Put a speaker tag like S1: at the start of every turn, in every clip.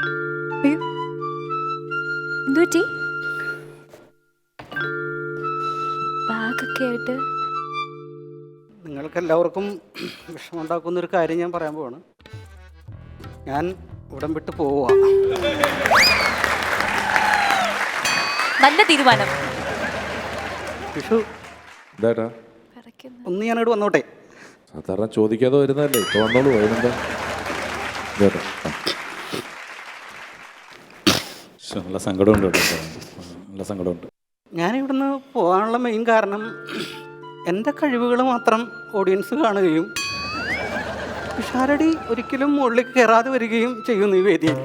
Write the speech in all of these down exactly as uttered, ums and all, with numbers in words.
S1: എന്തുപറ്റി? ബാഗൊക്കെ ആയിട്ട്
S2: നിങ്ങൾക്ക് എല്ലാവർക്കും വിഷമമുണ്ടാക്കുന്ന ഒരു കാര്യം ഞാൻ പറയാൻ പോവാണ്. ഞാൻ ഉടൻ വിട്ട് പോവുക.
S1: നല്ല തീരുമാനം.
S2: വിഷു
S3: എന്താ
S2: ഒന്ന് ഞാനിവിടെ വന്നോട്ടെ.
S3: സാധാരണ ചോദിക്കാതെ വരുന്നതല്ലേ, ഇപ്പൊ വന്നോളൂ. അതിനെന്താ?
S4: നല്ല സങ്കടമുണ്ട് കേട്ടോ, നല്ല സങ്കടമുണ്ട്.
S2: ഞാനിവിടുന്ന് പോകാനുള്ള മെയിൻ കാരണം എൻ്റെ കഴിവുകൾ മാത്രം ഓഡിയൻസ് കാണുകയും പിഷാരടി ഒരിക്കലും മുകളിൽ കയറാതെ വരികയും ചെയ്യുന്നു ഈ വേദിയിൽ.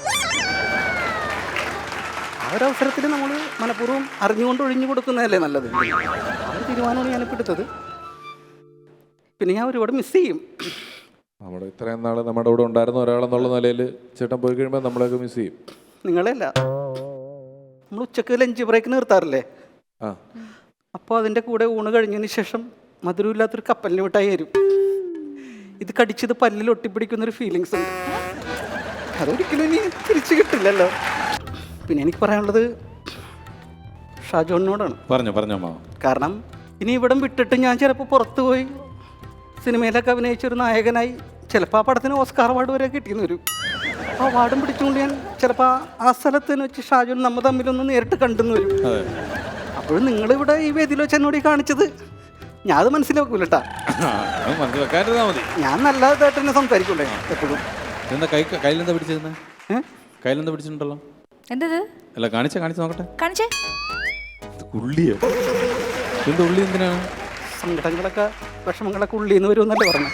S2: ആ ഒരു അവസരത്തിൽ നമ്മൾ മനഃപൂർവ്വം അറിഞ്ഞുകൊണ്ട് ഒഴിഞ്ഞു കൊടുക്കുന്നതല്ലേ നല്ലത്. ആ ഒരു തീരുമാനമാണ് ഞാനിപ്പോൾ എടുത്തത്. പിന്നെ ഞാൻ ഒരുപാട് മിസ് ചെയ്യും.
S3: നമ്മുടെ ഇത്രയും നാൾ നമ്മുടെ ഇവിടെ ഉണ്ടായിരുന്ന ഒരാളെന്നുള്ള നിലയിൽ ചേട്ടൻ പോയി കഴിയുമ്പോൾ നമ്മളെയൊക്കെ മിസ് ചെയ്യും.
S2: നിങ്ങളെയല്ല, നമ്മൾ ഉച്ചക്ക് ലഞ്ച് ബ്രേക്ക് നിർത്താറില്ലേ?
S3: ആ,
S2: അപ്പോൾ അതിൻ്റെ കൂടെ ഊണ് കഴിഞ്ഞതിന് ശേഷം മധുരമില്ലാത്തൊരു കപ്പലിന് മിഠായി തരും. ഇത് കടിച്ചത് പല്ലിൽ ഒട്ടിപ്പിടിക്കുന്നൊരു ഫീലിങ്സ് ഉണ്ട്. അതൊരിക്കലും ഇനി തിരിച്ചു കിട്ടില്ലല്ലോ. പിന്നെ എനിക്ക് പറയാനുള്ളത് ഷാജോണിനോടാണ്.
S4: പറഞ്ഞോ പറഞ്ഞോ മാ.
S2: കാരണം ഇനി ഇവിടം വിട്ടിട്ട് ഞാൻ ചിലപ്പോൾ പുറത്തു പോയി സിനിമയിലൊക്കെ അഭിനയിച്ചൊരു നായകനായി ചിലപ്പോൾ ആ പടത്തിന് ഓസ്കാർ അവാർഡ് വരെ കിട്ടിയെന്ന് വരും. ആ അവാർഡും പിടിച്ചുകൊണ്ട് ഞാൻ ചിലപ്പോൾ ആ സ്ഥലത്ത് വെച്ച് ഷാജോൺ നമ്മൾ തമ്മിലൊന്ന് നേരിട്ട് കണ്ടെന്ന് വരും. അപ്പോഴും നിങ്ങളിവിടെ ഈ വേദിയിൽ വെച്ച് എന്നോട് ഈ കാണിച്ചത് ഞാൻ അത് മനസ്സിലാക്കൂലട്ടാ.
S4: മതി.
S2: ഞാൻ നല്ലതായിട്ട് തന്നെ സംസാരിക്കൂലേ എപ്പോഴും.
S4: എന്താ കൈ കയ്യിലെന്താ പിടിച്ചിരുന്നേ?
S2: ഏഹ്
S4: കയ്യിലെന്താ പിടിച്ചിട്ടുണ്ടല്ലോ?
S1: എന്തത്?
S4: അല്ല കാണിച്ച കാണിച്ച് നോക്കട്ടെ.
S1: കാണിച്ചേ.
S4: ഉള്ളിയോ? എന്താ ഉള്ളി? എന്തിനാണ്?
S2: സങ്കടങ്ങളൊക്കെ വിഷമങ്ങളൊക്കെ ഉള്ളിന്ന് വരുമെന്നല്ലേ പറഞ്ഞു.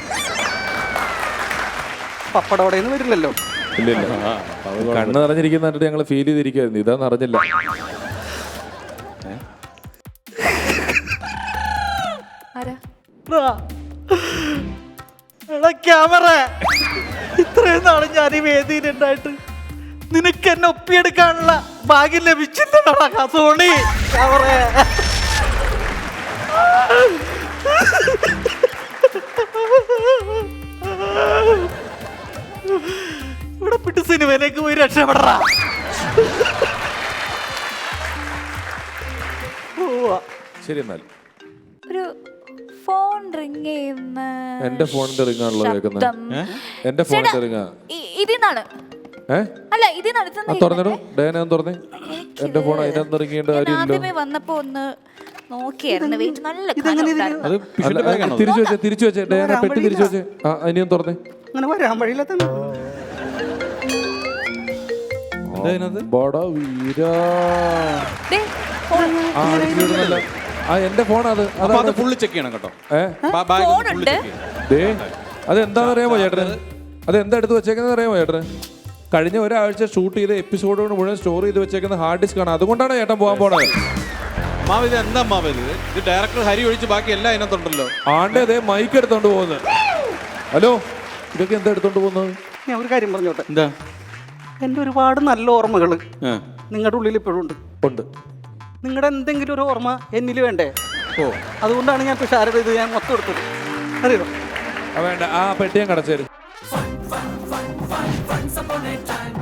S2: പപ്പടോടെന്ന് വരില്ലല്ലോ.
S3: ഇല്ലില്ല, കണ്ണ് നിറഞ്ഞിരിക്കുന്നിട്ട് ഞങ്ങൾ ഫീൽ ചെയ്തിരിക്കുവായിരുന്നു. ഇതാന്ന് അറിഞ്ഞില്ല.
S2: ക്യാമറ ഇത്രയും നാള് ഞാൻ ഈ വേദിയിലുണ്ടായിട്ട് നിനക്ക് എന്നെ ഒപ്പിയെടുക്കാനുള്ള ഭാഗ്യം ലഭിച്ചില്ലടാ സോണി. ക്യാമറ ഇവിടെ പിട്ട് സിനിമയിലേക്ക് പോയി രക്ഷപ്പെടറാ.
S3: ശരി, എന്നാൽ
S1: ഒരു ഫോൺ റിംഗ് ചെയ്യുന്ന
S3: എന്റെ ഫോണിന്റെ റിംഗാണല്ലോ കേൾക്കുന്നത്. എന്റെ ഫോണിന്റെ റിംഗാ
S1: ഇതിന്നാണ്.
S3: ഏഹ്
S1: അല്ല ഇതിനാണ്.
S3: തുറന്നിടും ഡേന തുറന്നേ. എന്റെ ഫോൺ അതിനകത്ത് ഇറങ്ങിയിട്ട്
S1: ആദ്യമേ വന്നപ്പോ ഒന്ന് നോക്കിയായിരുന്നു. വെയിറ്റ് നല്ല
S4: അത്
S3: തിരിച്ചു വെച്ചേ, തിരിച്ചു വെച്ചേ ഡേന, പെട്ടി തിരിച്ചു വെച്ചേ. ആ ഇനിയും തുറന്നേ.
S2: അങ്ങനെ വരാൻ വഴിയില്ലാത്ത
S3: എന്റെ ഫോൺ. അത്
S4: അത് ഫുള്ള് ചെക്ക് ചെയ്യണം കേട്ടോ.
S3: അത് എന്താണെന്ന് അറിയാമോ ചേട്ടന്? അത് എന്താ എടുത്ത് വെച്ചേക്കുന്നത് അറിയാമോ ചേട്ടന്? കഴിഞ്ഞ ഒരാഴ്ച ഷൂട്ട് ചെയ്ത എപ്പിസോഡുകൾ മുഴുവൻ സ്റ്റോർ ചെയ്ത് വെച്ചേക്കുന്ന ഹാർഡ് ഡിസ്ക് ആണ്. അതുകൊണ്ടാണ് ചേട്ടൻ പോകാൻ പോണത്.
S4: മാവ് ഇത് എന്താ മാവ് ഇത്? ഇത് ഡയറക്ടർ ഹരി ഒഴിച്ച് ബാക്കി എല്ലാം അതിനകത്തുണ്ടല്ലോ.
S3: ആണ്ടേ അതേ മൈക്ക് എടുത്തോണ്ട് പോകുന്നത്. ഹലോ, ഇതൊക്കെ എന്താ എടുത്തോണ്ട് പോകുന്നത്?
S2: ഞാൻ ഒരു കാര്യം പറഞ്ഞോട്ടെ.
S4: എന്താ?
S2: എൻ്റെ ഒരുപാട് നല്ല ഓർമ്മകൾ നിങ്ങളുടെ ഉള്ളിൽ ഇപ്പോഴും ഉണ്ട്.
S3: ഉണ്ട്.
S2: നിങ്ങളുടെ എന്തെങ്കിലും ഒരു ഓർമ്മ എന്നിൽ വേണ്ടേ? ഓ, അതുകൊണ്ടാണ് ഞാൻ തുഷാരത ഇത് ഞാൻ മൊത്തം എടുത്തത്. അറിയോ?
S3: വേണ്ട, ആ പെട്ടിയും കടച്ചേരും.